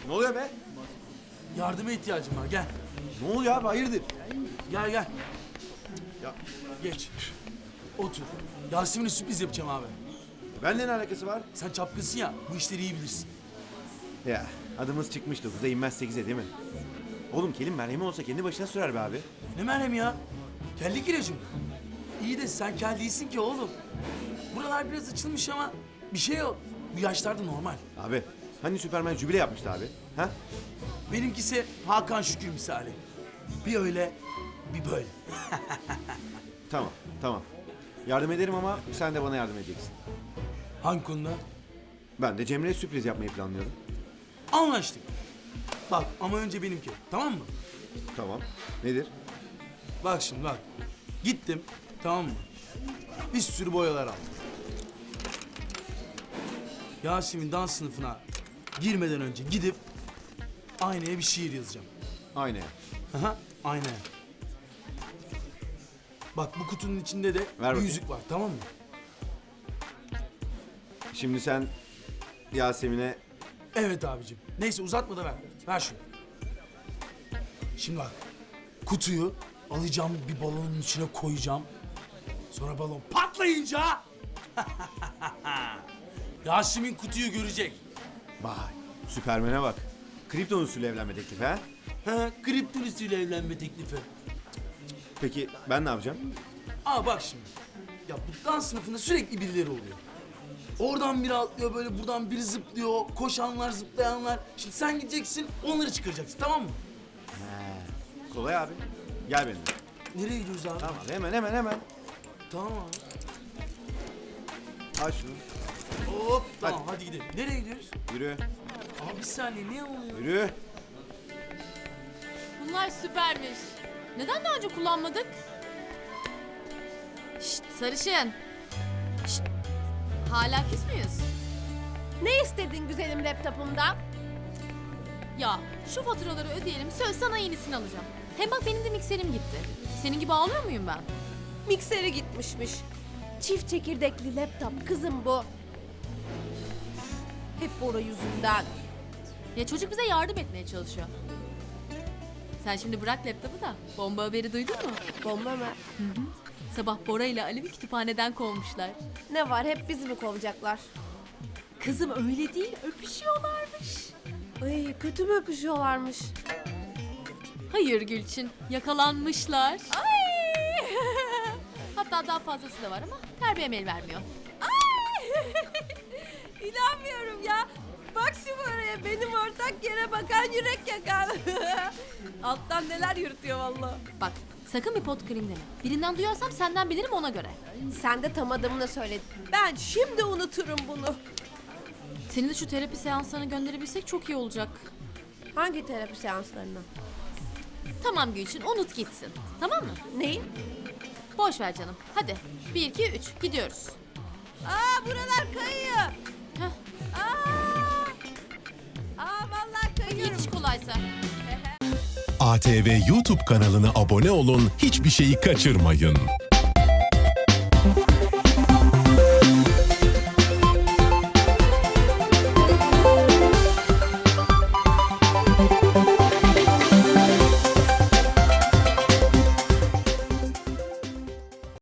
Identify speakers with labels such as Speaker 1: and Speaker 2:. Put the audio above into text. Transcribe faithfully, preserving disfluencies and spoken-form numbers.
Speaker 1: Ne oluyor be?
Speaker 2: Yardıma ihtiyacım var, gel.
Speaker 1: Ne oluyor abi, hayırdır?
Speaker 2: Gel gel.
Speaker 1: Ya
Speaker 2: Geç. Otur. Yasemin'e sürpriz yapacağım abi.
Speaker 1: benimle ne alakası var?
Speaker 2: Sen çapkınsın ya, bu işleri iyi bilirsin.
Speaker 1: Ya adımız çıkmış dokuza inmez sekize değil mi? Oğlum kelin merhemi olsa kendi başına sürer be abi.
Speaker 2: Ne merhem ya? Kellik ilacım. İyi de sen kel değilsin ki oğlum. Buralar biraz açılmış ama bir şey yok. Bu yaşlarda normal.
Speaker 1: Abi hani Süperman jübile yapmıştı abi? Ha?
Speaker 2: Benimkisi Hakan Şükür misali. Bir öyle, bir böyle.
Speaker 1: Tamam tamam. Yardım ederim ama sen de bana yardım edeceksin.
Speaker 2: Hangi konuda?
Speaker 1: Ben de Cemre'ye sürpriz yapmayı planlıyorum.
Speaker 2: Anlaştık. Bak ama önce benimki, tamam mı?
Speaker 1: Tamam. Nedir?
Speaker 2: Bak şimdi bak. Gittim, tamam mı? Bir sürü boyalar aldım. Yasemin dans sınıfına girmeden önce gidip aynaya bir şiir yazacağım.
Speaker 1: Aynı.
Speaker 2: Aha, aynaya. Bak bu kutunun içinde de
Speaker 1: Ver
Speaker 2: bir
Speaker 1: bakayım.
Speaker 2: yüzük var, tamam mı?
Speaker 1: Şimdi sen Yasemin'e...
Speaker 2: Evet abicim. Neyse uzatma da ver. Ver şunu. Şimdi bak. Kutuyu alacağım, bir balonun içine koyacağım. Sonra balon patlayınca... Yasemin kutuyu görecek.
Speaker 1: Vay, Süpermen'e bak. Kripton usulü evlenme teklifi ha?
Speaker 2: Ha, kriptonisiyle evlenme teklifi.
Speaker 1: Peki ben ne yapacağım?
Speaker 2: Aa bak şimdi. Ya bu dans sınıfında sürekli birileri oluyor. Oradan biri atlıyor böyle, buradan biri zıplıyor. Koşanlar, zıplayanlar. Şimdi sen gideceksin, onları çıkaracaksın, tamam mı?
Speaker 1: Kolay abi. Gel benimle.
Speaker 2: Nereye gidiyoruz abi?
Speaker 1: Tamam hemen hemen hemen.
Speaker 2: Tamam abi.
Speaker 1: Al şunu.
Speaker 2: Hop, tamam hadi, gidelim. Nereye gidiyoruz?
Speaker 1: Yürü.
Speaker 2: Abi bir saniye, niye oluyor?
Speaker 1: Yürü.
Speaker 3: Bunlar süpermiş. Neden daha önce kullanmadık? Şşt sarışın. Şşt. Hala küs müyüz?
Speaker 4: Ne istedin güzelim laptopumdan?
Speaker 3: Ya şu faturaları ödeyelim, söz sana yenisini alacağım. Hem bak benim de mikserim gitti. Senin gibi ağlıyor muyum ben?
Speaker 4: Mikseri gitmişmiş. Çift çekirdekli laptop kızım bu. Hep Bora yüzünden.
Speaker 3: Ya çocuk bize yardım etmeye çalışıyor. Sen şimdi bırak laptopu da bomba haberi duydun mu?
Speaker 4: Bomba mı?
Speaker 3: Sabah Bora ile Alev'i kütüphaneden kovmuşlar.
Speaker 4: Ne var, hep bizi mi kovacaklar?
Speaker 3: Kızım öyle değil, öpüşüyorlarmış.
Speaker 4: Ay, kötü mü öpüşüyorlarmış?
Speaker 3: Hayır Gülçin, yakalanmışlar.
Speaker 4: Ay!
Speaker 3: Hatta daha fazlası da var ama terbiyem el vermiyor.
Speaker 4: İnanmıyorum ya. Bak şu Bora'ya, benim ortak yere bakan yürek yakan. Alttan neler yürütüyor vallahi.
Speaker 3: Bak sakın bir pot kırayım deme. Birinden duyarsam senden bilirim ona göre.
Speaker 4: Sen de tam adımını söyledin. Ben şimdi unuturum bunu.
Speaker 3: Seni de şu terapi seanslarına gönderebilsek çok iyi olacak.
Speaker 4: Hangi terapi seanslarına?
Speaker 3: Tamam Gülçin, unut gitsin. Tamam mı?
Speaker 4: Neyi?
Speaker 3: Boş ver canım. Hadi. Bir, iki, üç. Gidiyoruz.
Speaker 4: Aa, buralar kayıyor.
Speaker 3: Heh.
Speaker 4: Aa! Aa, vallahi kayıyorum.
Speaker 3: Yetiş kolaysa.
Speaker 5: A T V YouTube kanalına abone olun, hiçbir şeyi kaçırmayın.